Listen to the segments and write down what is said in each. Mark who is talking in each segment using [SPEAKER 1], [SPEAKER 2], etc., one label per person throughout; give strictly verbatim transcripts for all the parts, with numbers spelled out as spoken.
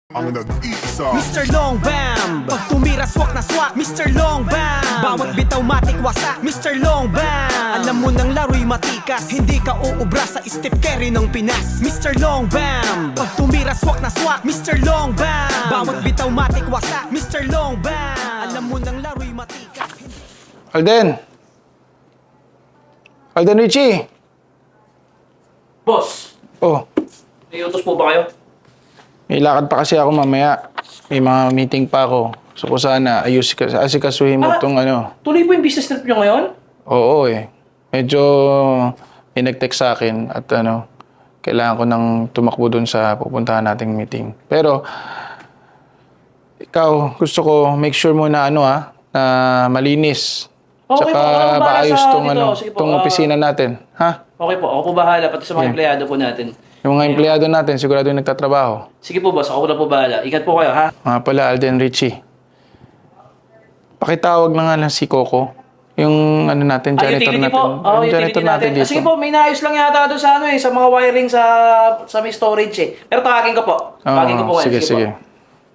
[SPEAKER 1] Ang nag-iisa
[SPEAKER 2] Mister Long Bam Pag tumira swak na swak Mister Long Bam Bawat bitaw matik wasak Mister Long Bam Alam mo nang laro'y matikas Hindi ka uubra sa step carry ng Pinas Mister Long Bam Pag tumira swak na swak Mister Long Bam Bawat bitaw matik wasak Mister Long Bam Alam mo nang laro'y matikas
[SPEAKER 3] Alden! Alden Richie!
[SPEAKER 4] Boss,
[SPEAKER 3] Oh,
[SPEAKER 4] may utos po ba kayo?
[SPEAKER 3] may lakad pa kasi ako mamaya. May mga meeting pa ako. So ko sana ayus ka, asikasuhin mo
[SPEAKER 4] Ah!
[SPEAKER 3] tong ano.
[SPEAKER 4] Tuloy po yung business trip nyo ngayon?
[SPEAKER 3] Oo eh. Medyo may nag-text sa akin at ano, kailangan ko nang tumakbo dun sa pupuntahan nating meeting. Pero, ikaw, gusto ko make sure mo na ano ha, na malinis.
[SPEAKER 4] Okay
[SPEAKER 3] Tsaka
[SPEAKER 4] po, ako na bahala
[SPEAKER 3] maayos
[SPEAKER 4] sa
[SPEAKER 3] tong,
[SPEAKER 4] dito.
[SPEAKER 3] ano,
[SPEAKER 4] Sige po,
[SPEAKER 3] tong
[SPEAKER 4] ah.
[SPEAKER 3] opisina natin. Ha?
[SPEAKER 4] Okay po, ako po bahala, pati sa mga
[SPEAKER 3] Yeah.
[SPEAKER 4] empleyado po natin.
[SPEAKER 3] Yung mga empleyado natin, sigurado yung nagtatrabaho.
[SPEAKER 4] Sige po boss, ako na po bahala. Ingat po kayo ha.
[SPEAKER 3] Mga pala, Alden Richie. Pakitawag na nga lang si Coco. Yung ano natin,
[SPEAKER 4] Ay,
[SPEAKER 3] janitor
[SPEAKER 4] utility
[SPEAKER 3] natin.
[SPEAKER 4] po. Oh,
[SPEAKER 3] yung
[SPEAKER 4] utility natin. Ah,
[SPEAKER 3] dito.
[SPEAKER 4] sige po, may naayos lang yata doon sa ano eh, sa mga wiring sa sa may storage eh. Pero tawagin ko po. Tawagin ko po
[SPEAKER 3] Oo,
[SPEAKER 4] kayo.
[SPEAKER 3] sige, sige.
[SPEAKER 4] Po.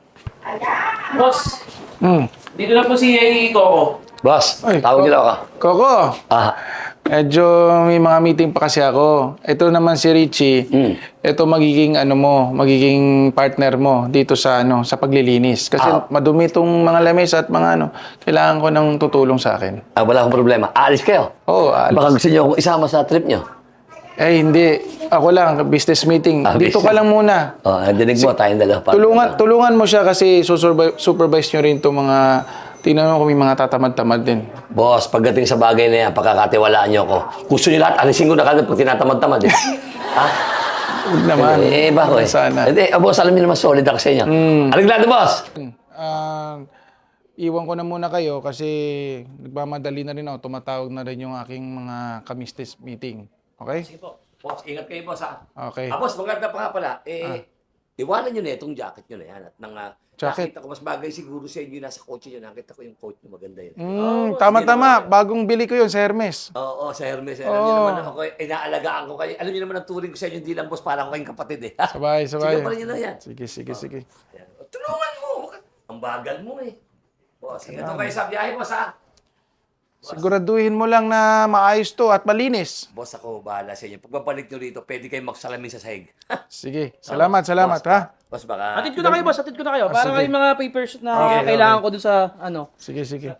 [SPEAKER 4] Boss,
[SPEAKER 3] Hmm.
[SPEAKER 4] dito na po si Coco.
[SPEAKER 5] Boss,
[SPEAKER 3] Ay,
[SPEAKER 5] tawag nila ako.
[SPEAKER 3] Coco,
[SPEAKER 5] Ah,
[SPEAKER 3] medyo may mga meeting pa kasi ako. Ito naman si Richie.
[SPEAKER 5] Mm.
[SPEAKER 3] Ito magiging ano mo, magiging partner mo dito sa ano, sa paglilinis. Kasi
[SPEAKER 5] Ah.
[SPEAKER 3] madumi itong mga lamesa at mga ano, kailangan ko ng tutulong sa akin.
[SPEAKER 5] ah, wala akong problema. Aalis kayo.
[SPEAKER 3] Oo, alis.
[SPEAKER 5] Baka gusto niyo akong isama sa trip niyo.
[SPEAKER 3] Eh, hindi. Ako lang, business meeting.
[SPEAKER 5] Ah,
[SPEAKER 3] Dito ka
[SPEAKER 5] business.
[SPEAKER 3] lang muna.
[SPEAKER 5] Oh, dinig mo, tayong dalawa pa.
[SPEAKER 3] Tulungan, tulungan mo siya kasi susurvi- supervise nyo rin itong mga, tingnan mo kung may mga tatamad-tamad din.
[SPEAKER 5] Boss, pagdating sa bagay na yan, pagkakatiwalaan niyo ako. Gusto niyo lahat, alisin ko na kagad pag tinatamad-tamad eh. ha?
[SPEAKER 3] Huwag naman.
[SPEAKER 5] Eh, eh, bako eh.
[SPEAKER 3] Sana.
[SPEAKER 5] Hindi, ah, boss, alam niyo naman solid ako sa inyo.
[SPEAKER 3] Mm.
[SPEAKER 5] Aliglado, boss!
[SPEAKER 3] Ah, iwan ko na muna kayo kasi nagmamadali na rin ako. Tumatawag na rin yung aking mga kamistis meeting. Okay?
[SPEAKER 5] Sige po. Boss, ingat kayo, boss, ha?
[SPEAKER 3] Okay.
[SPEAKER 5] Ah, boss, maganda pa nga pala. Eh, iwanan niyo na itong jacket niyo na yan. At nang, ah,
[SPEAKER 3] Jacket?
[SPEAKER 5] nakita ko, mas bagay siguro sa inyo yung nasa kotse niyo. Nakita ko yung coat niyo, maganda yun.
[SPEAKER 3] Mm, tama-tama. Bagong bili ko yun sa Hermes.
[SPEAKER 5] Oo, sa Hermes. Alam niyo naman ako, eh, inaalagaan ko kayo. Alam niyo naman ang turing ko sa inyo, hindi lang boss, parang ako kayong kapatid eh.
[SPEAKER 3] Sabay, sabay.
[SPEAKER 5] Sige pa rin yun na yan.
[SPEAKER 3] Sige, sige, sige.
[SPEAKER 5] Ayan. Tulungan mo! Ang bagal mo eh. Boss, ingat ko kayo sa biyahe, boss ha.
[SPEAKER 3] Siguraduhin mo lang na maayos to at malinis.
[SPEAKER 5] Boss, ako bahala sa inyo. Pagbabalik nyo rito, pwede kayong magsalamin sa sahig.
[SPEAKER 3] Sige. Salamat, salamat,
[SPEAKER 5] Boss,
[SPEAKER 3] ha?
[SPEAKER 5] Boss, baka...
[SPEAKER 4] Atid ko na kayo boss, atid ko na kayo.
[SPEAKER 3] Ah,
[SPEAKER 4] Para
[SPEAKER 3] sige.
[SPEAKER 4] yung mga papers na
[SPEAKER 3] Okay,
[SPEAKER 4] kailangan
[SPEAKER 3] okay.
[SPEAKER 4] ko doon sa ano.
[SPEAKER 3] Sige, sige.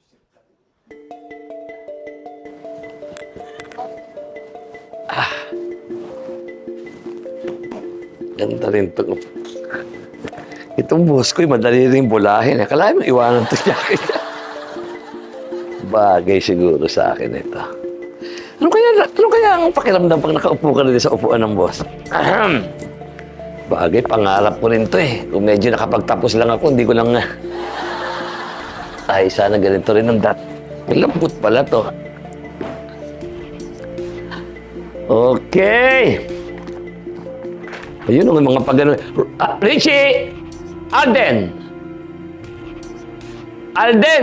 [SPEAKER 5] Ganda rin ito. Itong boss ko, madali rin bulahin. Akala mo iwanan ito jacket. Bagay siguro sa akin ito. Ano kaya, ano kaya ang pakiramdam pag nakaupo ka rin sa upuan ng boss? Ahem. Bagay, pangarap ko rin to eh. Kung medyo nakapagtapos lang ako, hindi ko lang... ah, Ay, sana ganito rin ang dat. Lambot pala to. Okay. Ayun ang mga pagano. Ah, Richie! Alden! Alden!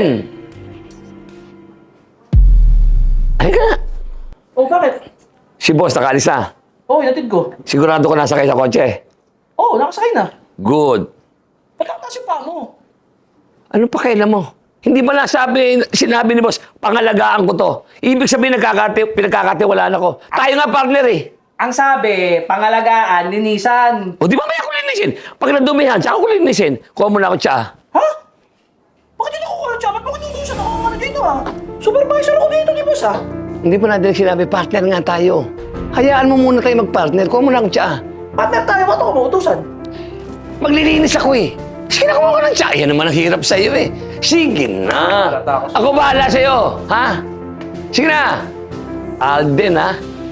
[SPEAKER 5] Ay ka!
[SPEAKER 4] Oh, bakit?
[SPEAKER 5] Si boss nakaalis na.
[SPEAKER 4] Oh, inatid ko.
[SPEAKER 5] Sigurado ko nasakay sa kotse.
[SPEAKER 4] Oh, nakasakay na.
[SPEAKER 5] Good.
[SPEAKER 4] Ba't ang taas yung paa mo?
[SPEAKER 5] Ano pa kailan mo? Hindi ba nasabi, sinabi ni boss, pangalagaan ko to. Ibig sabihin, nagkakati, pinagkakatiwalaan ako. Tayo nga partner eh.
[SPEAKER 4] Ang sabi, pangalagaan, linisan.
[SPEAKER 5] O di ba may ako linisin? Pag nadumihan, tsaka ko linisin. Kuha mo na ako tsa.
[SPEAKER 4] Ha? Bakit hindi ako kuha ng tsapat? Bakit hindi ako ano dito ah? Supervisor ako dito, di boss ah?
[SPEAKER 5] Hindi pa natin sinabi, partner nga tayo. Hayaan mo muna tayo mag-partner. Kuha mo na ako tsa.
[SPEAKER 4] Partner tayo, ba't ako mautusan?
[SPEAKER 5] Maglilinis ako eh. Sige na, kumuha ko ng tsa. Yan naman ang hirap sa'yo eh. Sige na. Ako bahala sa'yo. Ha? Sige na. Alden ha?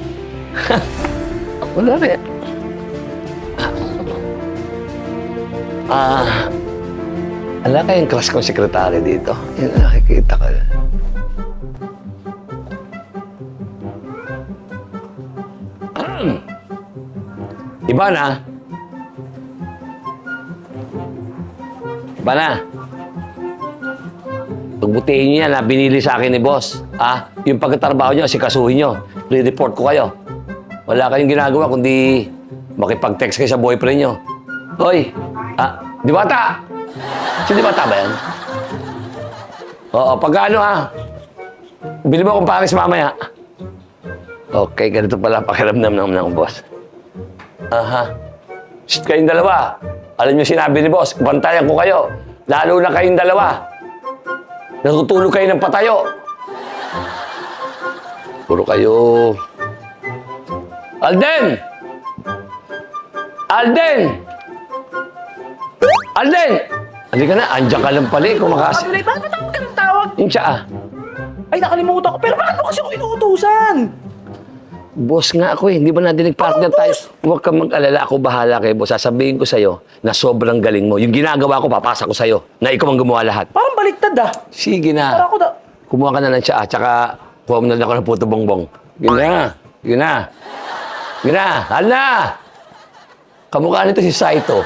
[SPEAKER 5] Wala rin. Ah, ala kayong class kong sekretary dito. Yan, nakikita ko. Iba na. Iba na. Pagbutihin niyo yan, ha? Binili sa akin ni boss. Ah, yung pagkatrabaho niyo, sikasuhin niyo. Re-report ko kayo. Wala kayong ginagawa kundi makipag-text kayo sa boyfriend niyo. Hoy, Ah, Diwata! Si Diwata ba yan? Oo, pagkano ha? Bili mo akong Paris mamaya. Okay, ganito pala pakiramdam ng, ng boss. Aha. Shit, kayong dalawa. Alam niyo sinabi ni boss, bantayan ko kayo. Lalo na kayong dalawa. Natutulog kayo ng patayo. Puro kayo. Alden! Alden! Alden! Halika na, andyan ka lang pala eh, kumakas...
[SPEAKER 4] Sabi na, bakit ako ka ng tawag?
[SPEAKER 5] Yung siya ah.
[SPEAKER 4] Ay, nakalimutan ko. Pero bakit mo kasi ako inuutusan?
[SPEAKER 5] Boss nga ako eh, hindi ba natin nag-partner tayo? Huwag kang mag-alala, ako bahala kay boss. Sasabihin ko sa'yo na sobrang galing mo. Yung ginagawa ko, papasa ko sa'yo na ikaw ang gumawa lahat.
[SPEAKER 4] Parang baliktad ah.
[SPEAKER 5] Sige
[SPEAKER 4] Parang
[SPEAKER 5] na.
[SPEAKER 4] ako da...
[SPEAKER 5] Kumuha ka na ng siya, tsaka kuha mo na lang ako ng puto bongbong. Yun na, yun na. Yun na, hal na! Kamukha nito si Saito.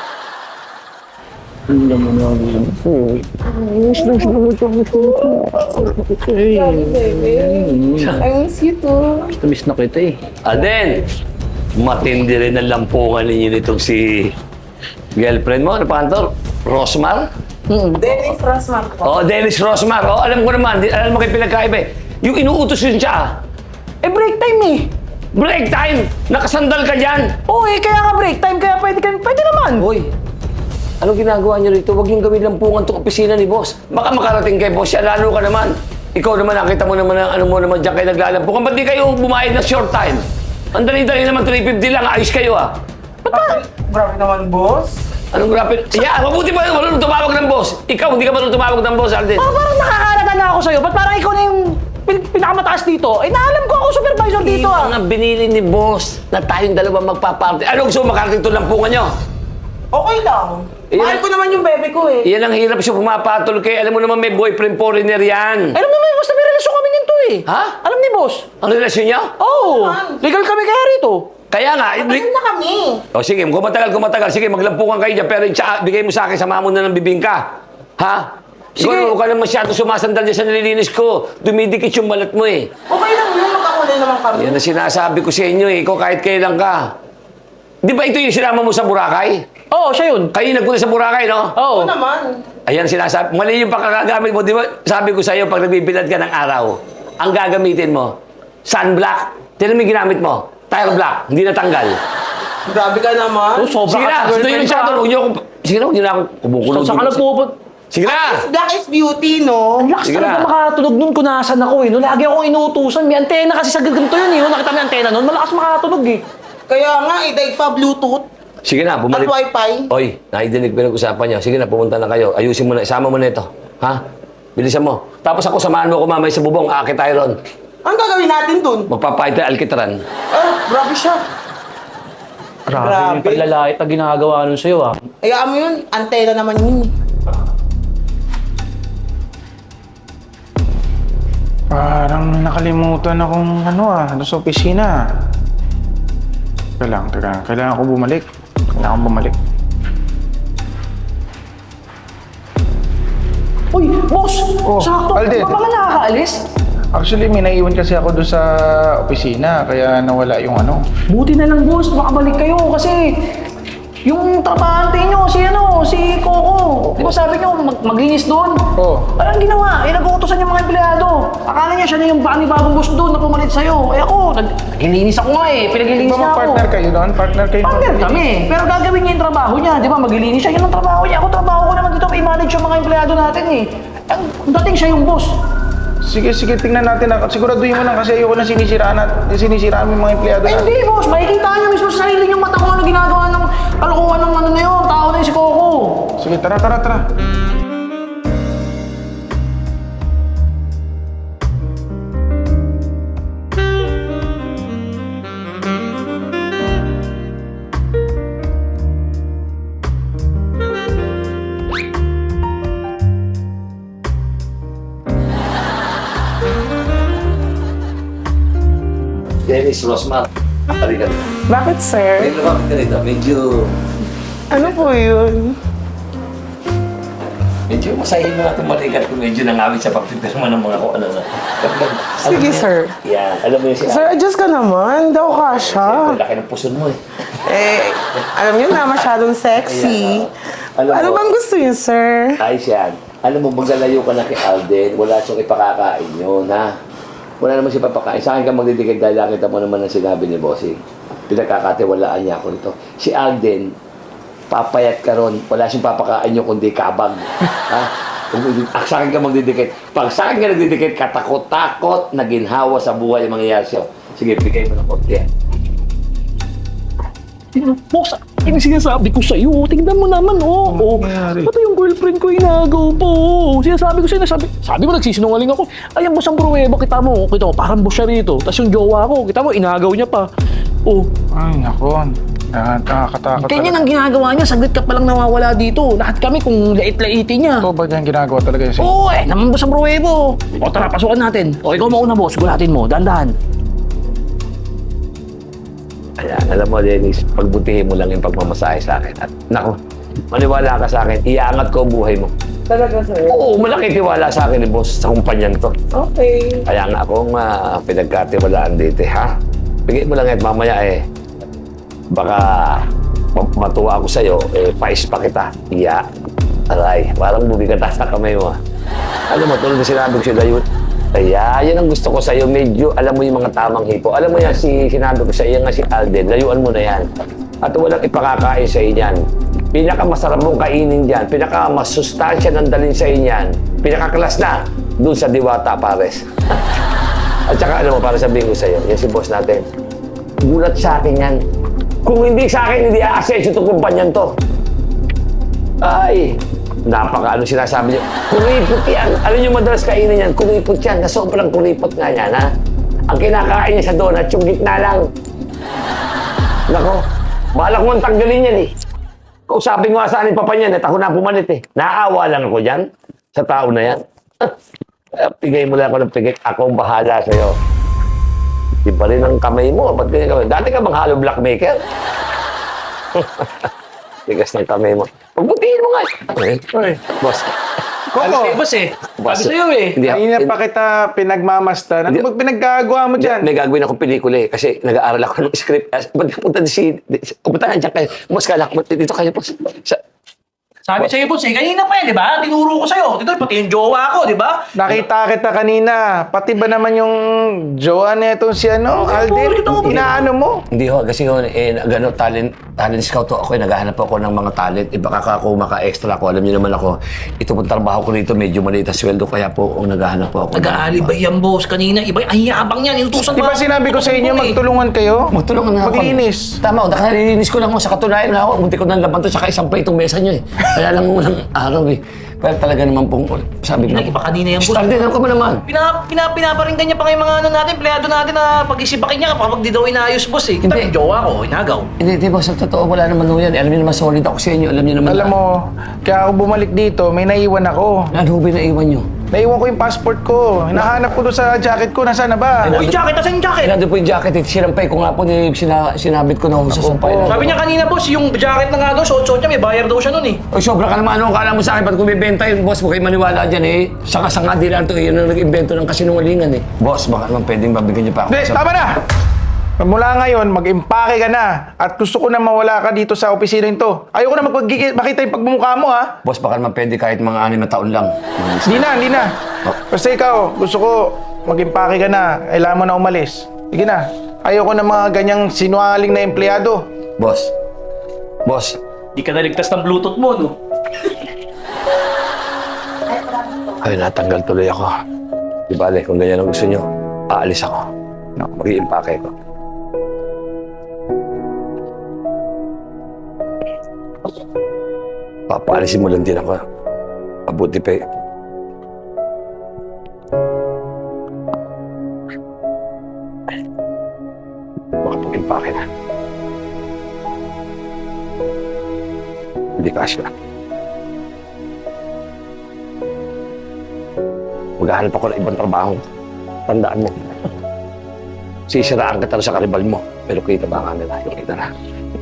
[SPEAKER 1] I miss you too.
[SPEAKER 4] Miss na kita eh.
[SPEAKER 5] Alden, matindi rin ang lampungan ninyo nitong si girlfriend mo. Ano pa kantor? Rosmar?
[SPEAKER 1] Dennis Rosman po.
[SPEAKER 5] Oo, Dennis Rosmar. Oo, alam ko naman. Di- Alam mo kayo pinagkaiba eh. Yung inuutos yun siya.
[SPEAKER 4] Eh, break time eh.
[SPEAKER 5] Break time! Nakasandal ka dyan!
[SPEAKER 4] Oo eh, kaya nga break time. Kaya pwede, ka, pwede naman.
[SPEAKER 5] Hoy, anong ginagawa niyo rito? Huwag niyong gawin lampungan itong opisina ni boss. Baka makarating kay boss siya, lalo ka naman. Ikaw naman, nakita mo naman ang ano mo naman dyan kayo naglalampungan. Ba't di kayo bumayad ng short time? Ang dali-dali naman, three fifty lang. Ayos kayo ah.
[SPEAKER 4] Ba't ba?
[SPEAKER 1] Grabe naman, boss.
[SPEAKER 5] Anong grabe? Yeah, mabuti pa marunong tumawag ng boss. Ikaw, hindi ka marunong tumawag ng boss, Alden.
[SPEAKER 4] Parang, parang nakakalata na ako sa'yo. Ba't parang ikaw na yung pin- pinakamataas dito? Eh, naalam ko ako supervisor dito
[SPEAKER 5] Yung
[SPEAKER 4] ah.
[SPEAKER 5] mga binili ni boss na tayong dalawa magpa-party. Ano gusto mo makarating ito lampungan nyo?
[SPEAKER 1] Okay lang.
[SPEAKER 5] Eh,
[SPEAKER 1] Mahal ko naman yung bebe ko eh.
[SPEAKER 5] Iyan ang hirap siya pumapatol kay. Alam mo naman may boyfriend foreigner yan.
[SPEAKER 4] Alam naman, basta may relasyon kami nito eh.
[SPEAKER 5] Ha?
[SPEAKER 4] Alam ni boss.
[SPEAKER 5] Ang relasyon niya?
[SPEAKER 4] Oo. Legal kami kaya rito.
[SPEAKER 5] Kaya nga,
[SPEAKER 1] Ano na kami?
[SPEAKER 5] o sige, kung matagal, kung matagal, sige, maglampungan kayo dyan, pero yung tsa- bigay mo sa akin, sama mo na ng bibingka. Ha?
[SPEAKER 4] Sige.
[SPEAKER 5] Sige. Huwag ka lang masyado sumasandal dyan sa nililinis ko. Dumidikit yung balat mo eh.
[SPEAKER 1] Okay lang yun, magkakulay naman kami.
[SPEAKER 5] Yan ang sinasabi ko sa inyo eh. Ikaw kahit kailan ka. Di ba ito yung sinama mo sa Boracay?
[SPEAKER 4] Oo, siya yun.
[SPEAKER 5] Kayo nagpunta sa Boracay, no?
[SPEAKER 4] Oo.
[SPEAKER 1] Oo naman.
[SPEAKER 5] Ayan sinasabi. Mali yung pagkakagamit mo. Di ba sabi ko sa iyo pag nagbibilad ka ng araw, ang gagamitin mo, sunblock. Tinan mo yung ginamit mo. Tire black. Hindi natanggal.
[SPEAKER 1] Grabe ka naman.
[SPEAKER 4] Oh, sobra
[SPEAKER 5] Sige
[SPEAKER 4] ka
[SPEAKER 5] na.
[SPEAKER 4] sa
[SPEAKER 5] Gusto
[SPEAKER 4] girlfriend
[SPEAKER 5] yung
[SPEAKER 4] ko,
[SPEAKER 5] chat.
[SPEAKER 4] ah.
[SPEAKER 5] Huwag niyo akong... Sige na, huwag niyo na akong kumukulong.
[SPEAKER 4] Saan ka na pupun?
[SPEAKER 5] Sige na.
[SPEAKER 1] Black is beauty, no?
[SPEAKER 4] Ang lakas
[SPEAKER 5] Sige
[SPEAKER 4] talaga
[SPEAKER 5] na.
[SPEAKER 4] makatunog nun kung nasan ako eh. No, lagi akong inuutusan. May antena kasi sa ganito yun eh. No, nakita mo yung antena nun, malakas makatunog eh.
[SPEAKER 1] Kaya nga, eh, dahil pa Bluetooth
[SPEAKER 5] Sige na,
[SPEAKER 1] at
[SPEAKER 5] bumalik.
[SPEAKER 1] Wi-Fi.
[SPEAKER 5] Oy, nakidinig ko yung usapan niyo. Sige na, pumunta na kayo. Ayusin mo na. Isama mo na ito. Ha? Bilisan mo. Tapos ako, samahan mo ako mamay sa bubong. Aakit tayo ron.
[SPEAKER 1] Ang gagawin natin dun?
[SPEAKER 5] Magpapahit na alkitran.
[SPEAKER 1] Ah, grabe siya.
[SPEAKER 4] Grabe,
[SPEAKER 1] Grabe.
[SPEAKER 4] yung paglalait na ginagawa nun sa'yo ah.
[SPEAKER 1] Hayaan mo yun, antena naman yun.
[SPEAKER 3] Parang nakalimutan akong ano ah, ano sa opisina. Teka lang, teka lang. Kailangan ko bumalik. Kailangan ko bumalik.
[SPEAKER 4] Uy, boss!
[SPEAKER 3] Oh,
[SPEAKER 4] Sakto!
[SPEAKER 3] Alden.
[SPEAKER 4] Di ba mga nakakaalis?
[SPEAKER 3] Actually, may naiwan kasi ako doon sa opisina, kaya nawala yung ano.
[SPEAKER 4] Buti na lang, boss. Makabalik kayo kasi yung trabahante nyo, si ano, si Coco. Di ba sabi nyo, mag maglinis doon?
[SPEAKER 3] Oo.
[SPEAKER 4] Walang ginawa. Eh, nag-uutosan yung mga empleyado. Akala niya siya na yung panibagong boss doon na pumalit sa'yo. Eh ako, nag-linis ako nga eh.
[SPEAKER 3] Di
[SPEAKER 4] Pinaglilinis
[SPEAKER 3] ba
[SPEAKER 4] niya ako.
[SPEAKER 3] mag-partner kayo doon? Partner kayo?
[SPEAKER 4] Partner kami. Pero gagawin niya yung trabaho niya. Di ba, maglilinis siya. Yun ang trabaho niya. Ako, trabaho ko naman dito. I-manage yung mga empleyado natin eh. Ang dating siya yung boss.
[SPEAKER 3] Sige, sige, tingnan natin. Siguraduhin mo lang kasi ayoko na sinisiraan at sinisiraan mo yung mga empleyado
[SPEAKER 4] Eh,
[SPEAKER 3] natin.
[SPEAKER 4] hindi, boss. Makikita niyo mismo sa sarili niyong mata kung ano ginagawa ng kalokohan ng ano na yun. Tao na yun si Coco.
[SPEAKER 3] Sige, tara, tara, tara.
[SPEAKER 5] Dennis Rosmar. Halika.
[SPEAKER 1] Bakit, sir?
[SPEAKER 5] May lumapit ka rito. Medyo...
[SPEAKER 1] Ano po yun?
[SPEAKER 5] Medyo masahin mo natin marikat kung medyo nangawit sa pagpipirma ng mga kung ano na.
[SPEAKER 1] Sige, sir.
[SPEAKER 5] Yan. Alam mo yung sinabi.
[SPEAKER 1] Sir, adjust ka naman. Daw kasha.
[SPEAKER 5] Ang laki ng puso mo eh.
[SPEAKER 1] Eh, alam niyo na, masyadong sexy.
[SPEAKER 5] Alam
[SPEAKER 1] Ano
[SPEAKER 5] mo,
[SPEAKER 1] bang gusto niyo, sir?
[SPEAKER 5] ayos yan. Alam mo, maglalayo ka na kay Alden, wala siyang ipakakain yun, ha? Wala naman siya papakain. Sa akin ka magdidikit dahil nakita mo naman ang sinabi ni Bossing. Pinagkakatiwalaan niya ako nito. Si Alden, papayat ka ron. Wala siyang papakain nyo kundi kabag. Ha? Kung ah, sa akin ka magdidikit. Pag sa akin ka nagdidikit, katakot-takot na ginhawa sa buhay ang mangyayari sa'yo. Sige, bigay mo ng konti yan.
[SPEAKER 4] Boss, yung sinasabi ko sa'yo, tingnan mo naman, oh. Oh, pati yung girlfriend ko inagaw po. Sinasabi ko sa'yo, sabi, sabi mo nagsisinungaling ako. Ayan, boss, ang pruweba, kita mo, kita mo, parang boss siya rito. Tapos yung jowa ko, kita mo, inagaw niya pa. Oh,
[SPEAKER 3] Ay, naku. Nakakatakot.
[SPEAKER 4] ganyan ang ginagawa niya, saglit ka palang nawawala dito. Lahat kami kung lait-laitin niya.
[SPEAKER 3] Ito ba dyan ginagawa talaga yun?
[SPEAKER 4] Oo, eh, naman boss ang pruwebo. O, tara, pasukan natin. O, ikaw mauna, boss, gulatin mo, dahan-dahan.
[SPEAKER 5] Ayan, alam mo, Dennis, pagbutihin mo lang yung pagmamasahe sa akin. At, naku, maniwala ka sa akin, iaangat ko ang buhay mo.
[SPEAKER 1] Talaga, sir?
[SPEAKER 5] Oo, malaki tiwala sa akin ni boss sa kumpanyan to.
[SPEAKER 1] Okay.
[SPEAKER 5] Kaya nga akong uh, pinagkatiwalaan dito, eh, ha? Bigay mo lang yan, mamaya eh. Baka ma- matuwa ako sa'yo, eh, pais pa kita. Iya. Aray, parang bumigat sa kamay mo. ah. Alam mo, tulad na sinabi ko sa'yo, Dayut. Kaya, yan ang gusto ko sa'yo. Medyo, alam mo yung mga tamang hipo. Alam mo yan, si, sinabi ko sa'yo nga si Alden, layuan mo na yan. At walang ipakakain sa'yo yan. Pinakamasarap mong kainin dyan, pinakamasustansya ng dalhin sa'yo yan, pinakaklas na, dun sa Diwata, pares. At saka, alam mo, para sabihin ko sa'yo, yan si boss natin. Gulat sa akin yan. Kung hindi sa akin, hindi a-assess itong kumpanyan to. Ay, napaka ano sinasabi niyo. Kuripot yan. Alam niyo madalas kainin yan. Kuripot yan. Na sobrang kuripot nga yan, ha? Ang kinakain niya sa donut, yung gitna lang. Nako, balak mo ang tanggalin yan, eh. Kausapin ko nga saan yung papa niyan, at ako na pumalit, eh. Naawa lang ako dyan, sa tao na yan. Pigay mo lang ako ng pigay. Ako ang bahala sa'yo. Di pa rin ang kamay mo. Ba't ganyan kamay? Dati ka bang hollow blockmaker? Tigas ng kamay mo. Pagbutihin mo nga. Ay, ay, boss.
[SPEAKER 3] Coco,
[SPEAKER 4] boss eh.
[SPEAKER 5] Boss.
[SPEAKER 4] Sabi sa'yo eh.
[SPEAKER 5] Hindi,
[SPEAKER 3] kanina
[SPEAKER 5] hindi-
[SPEAKER 3] pa kita pinagmamastan. Ano
[SPEAKER 5] Hindi-
[SPEAKER 3] ba pinaggagawa mo dyan?
[SPEAKER 5] May gagawin akong pelikula eh. Kasi nag-aaral ako ng script. As- Ba't punta si... Punta na dyan kayo. Boss, kala ko. Dito kayo, boss. Sa,
[SPEAKER 4] Sabi sa'yo, boss eh. Kanina pa yan, di ba? Tinuro ko sa'yo. Dito, pati yung jowa ko, di ba?
[SPEAKER 3] Nakita kita kanina. Pati ba naman yung jowa na itong si ano, Alden?
[SPEAKER 4] bakit ako-
[SPEAKER 3] Inaano mo?
[SPEAKER 5] hindi ho. Kasi ho, eh, gano, talent, talent scout ho ako. Eh, naghahanap ako ng mga talent. Eh, baka ako maka-extra ako. Alam niyo naman ako, ito pong trabaho ko rito, medyo maliit ang sweldo. Kaya po, ang naghahanap po ako. ng-
[SPEAKER 4] Nag-aalibay yan, boss. Kanina, iba, ang yabang yan. Inutusan
[SPEAKER 3] Di ba sinabi ko sa inyo, magtulungan kayo?
[SPEAKER 5] Magtulungan na ako.
[SPEAKER 3] Maglinis.
[SPEAKER 5] Tama, nakalilinis ko lang ho. Sa katunayan na ako, munti ko nang laban to, saka isang plate itong mesa nyo eh. Kaya lang unang araw eh. Pero talaga naman pong, sabi ko,
[SPEAKER 4] Iba kanina yan, boss.
[SPEAKER 5] Starden, ano ka ba naman?
[SPEAKER 4] Pina, pina, pinaparinggan niya pa ngayon mga ano natin, empleyado natin na pag-isipakin niya kapag di daw inayos, boss eh. Kita
[SPEAKER 5] Hindi.
[SPEAKER 4] yung jowa ko, inagaw.
[SPEAKER 5] Hindi, di ba, sa totoo, wala naman ho yan. Alam niyo naman, solid ako sa inyo. Alam niyo naman.
[SPEAKER 3] Alam mo, kaya ako bumalik dito, may naiwan ako.
[SPEAKER 5] Ano ba na iwan niyo?
[SPEAKER 3] Naiwan ko yung passport ko. Hinahanap ko doon sa jacket ko. Nasaan na ba?
[SPEAKER 4] Oh, yung jacket, asan yung jacket?
[SPEAKER 5] Nandun po yung jacket. Eh. Sinampay ko nga po, ni, sina, sinabit ko na ho sa sampay.
[SPEAKER 3] po.
[SPEAKER 4] Sabi niya kanina, boss, yung jacket na nga daw, suot-suot niya, may bayar daw siya nun eh.
[SPEAKER 5] Oy, sobra ka naman. Ano kala mo sa akin? Ba't kung bibenta yun, boss? Huwag kayo maniwala dyan eh. Sanga-sanga din lang ito. Yun ang nag-invento ng kasinungalingan eh. Boss, baka naman pwedeng babigyan niyo pa ako.
[SPEAKER 3] Hindi, tama na! Mula ngayon, mag-impake ka na. At gusto ko na mawala ka dito sa opisina nito. Ayoko na magpagkiki- makita yung pagmumukha mo, ha?
[SPEAKER 5] Boss, baka naman pwede kahit mga anim na taon lang.
[SPEAKER 3] Hindi na, hindi na. Basta ikaw, gusto ko mag-impake ka na. Kailangan mo na umalis. Sige na. Ayoko na mga ganyang sinungaling na empleyado.
[SPEAKER 5] Boss. Boss.
[SPEAKER 4] Di ka naligtas ng bluetooth mo, no?
[SPEAKER 5] Ay, natanggal tuloy ako. Di bale, kung ganyan ang gusto nyo, aalis ako. No, mag-iimpake ko. Papaalisin mo lang din ako. Mabuti pa eh. Makapag-impake na. Hindi kasya. Maghahanap ako ng ibang trabaho. Tandaan mo. Sisiraan ka talaga sa karibal mo. Pero kita ba nga nila? Yung kita na.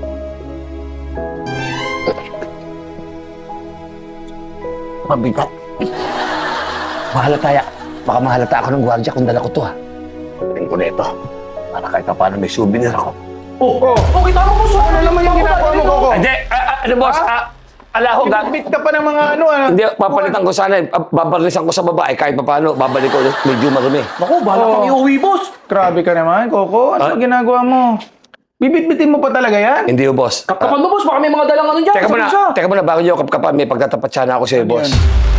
[SPEAKER 5] Mabigat. Mahalata ya. Baka mahalata ako ng gwardiya kung dala ko to ha. Tingin ko na ito. Para kahit pa paano may souvenir ako.
[SPEAKER 4] Oh, oh, oh, kita mo, boss.
[SPEAKER 3] Ano naman yung ginagawa mo, Coco?
[SPEAKER 5] Hindi! ah, ah, ano boss? Ah, Ala ho, gag...
[SPEAKER 3] Bit ka pa ng mga ano, ano.
[SPEAKER 5] Hindi, papalitan ko sana. eh. Babalisan ko sa babae kahit papaano. Babalik ko medyo marumi.
[SPEAKER 4] Naku, bahala
[SPEAKER 3] Oo.
[SPEAKER 4] kang iuwi, boss.
[SPEAKER 3] Grabe ka naman, Coco. Ano
[SPEAKER 5] Ah.
[SPEAKER 3] ba ginagawa mo? Bibit-bitin mo pa talaga yan?
[SPEAKER 5] Hindi ho, boss.
[SPEAKER 4] Kapkapan mo, boss. Baka may mga dalang ano dyan.
[SPEAKER 5] Teka
[SPEAKER 4] sa
[SPEAKER 5] muna,
[SPEAKER 4] bulsa.
[SPEAKER 5] teka muna, bago niyo ako kapkapan, may pagtatapat sana ako sa'yo,
[SPEAKER 3] Ano
[SPEAKER 5] boss.
[SPEAKER 3] yan?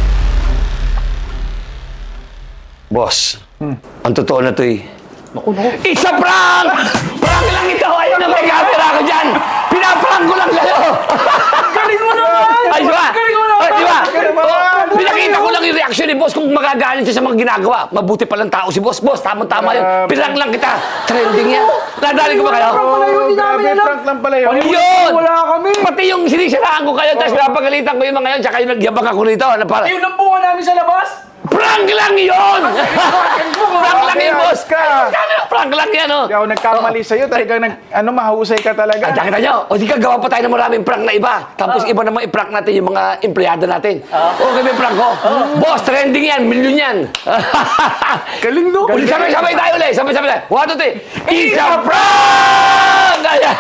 [SPEAKER 5] Boss, ang totoo na to eh.
[SPEAKER 4] Naku, naku.
[SPEAKER 5] It's a prank! Prank lang ito! Ayun na may camera ko dyan! Pinaprank ko lang kayo!
[SPEAKER 4] Galing mo naman!
[SPEAKER 5] Ay, di ba?
[SPEAKER 4] Galing mo naman!
[SPEAKER 5] Ay, di ba?
[SPEAKER 3] Galing mo naman!
[SPEAKER 5] Oh, pinakita ko lang yung reaction ni boss kung magagalit siya sa mga ginagawa. Mabuti palang tao si boss. Boss, tama-tama yun.
[SPEAKER 3] Grabe.
[SPEAKER 5] Pinrank lang kita. Trending yan. Nadali ko ba kayo?
[SPEAKER 4] Prank pala yun, hindi
[SPEAKER 3] grabe,
[SPEAKER 4] namin alam.
[SPEAKER 3] prank lang pala yun.
[SPEAKER 5] Ano yun?
[SPEAKER 4] Wala kami.
[SPEAKER 5] Pati yung sinisiraan ko kayo, tapos napagalitan ko yung mga yun, tsaka yung nagyabang ako rito. Ano para?
[SPEAKER 4] Yung lampungan namin sa labas.
[SPEAKER 5] Prank lang yun! Prank lang yun, boss!
[SPEAKER 3] Ayos ka.
[SPEAKER 5] Prank lang yan, oh!
[SPEAKER 3] Hindi ako nagkamali sa'yo. Talagang nag, ano, mahusay ka
[SPEAKER 5] Ah,
[SPEAKER 3] talaga.
[SPEAKER 5] nakita nyo? O di ka gawa pa tayo ng maraming prank na iba. Tapos iba naman i-prank natin yung mga empleyado natin. Okay ba yung prank ko? Boss, trending yan, milyon yan.
[SPEAKER 4] Galing, no?
[SPEAKER 5] Ulit, sabay-sabay tayo ulit. Sabay-sabay tayo. One, two, three. It's a prank! Ayan.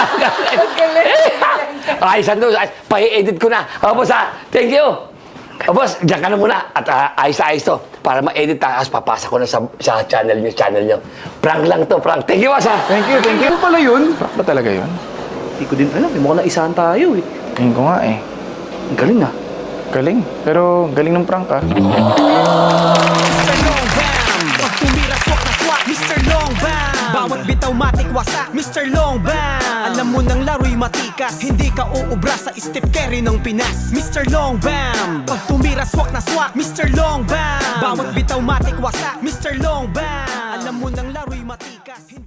[SPEAKER 5] Ay, sando. Pa-edit ko na. O, boss, ha? Thank you. O, boss, dyan ka na muna. At ah, ayos na ayos to. Para ma-edit tayo. Tapos papasa ko na sa, sa channel nyo, channel nyo. Prank lang to, prank. Thank you, boss, ha?
[SPEAKER 3] Thank you, thank you.
[SPEAKER 4] Ano pala yun?
[SPEAKER 3] Prank ba talaga yun?
[SPEAKER 4] Hindi ko din alam. May mukhang naisahan tayo eh.
[SPEAKER 3] Tingin ko nga eh.
[SPEAKER 4] Ang galing ah.
[SPEAKER 3] Galing. Pero galing ng prank ah.
[SPEAKER 2] mister Long Bam Pag tumira swak na swak mister Long Bam Bawat bitaw matik wasak mister Long Bam Alam mo ng laro'y matikas Hindi ka uubra sa step carry ng Pinas mister Long Bam Pag tumira swak na swak mister Long Bam Bawat bitaw matik wasak mister Long Bam Alam mo ng laro'y matikas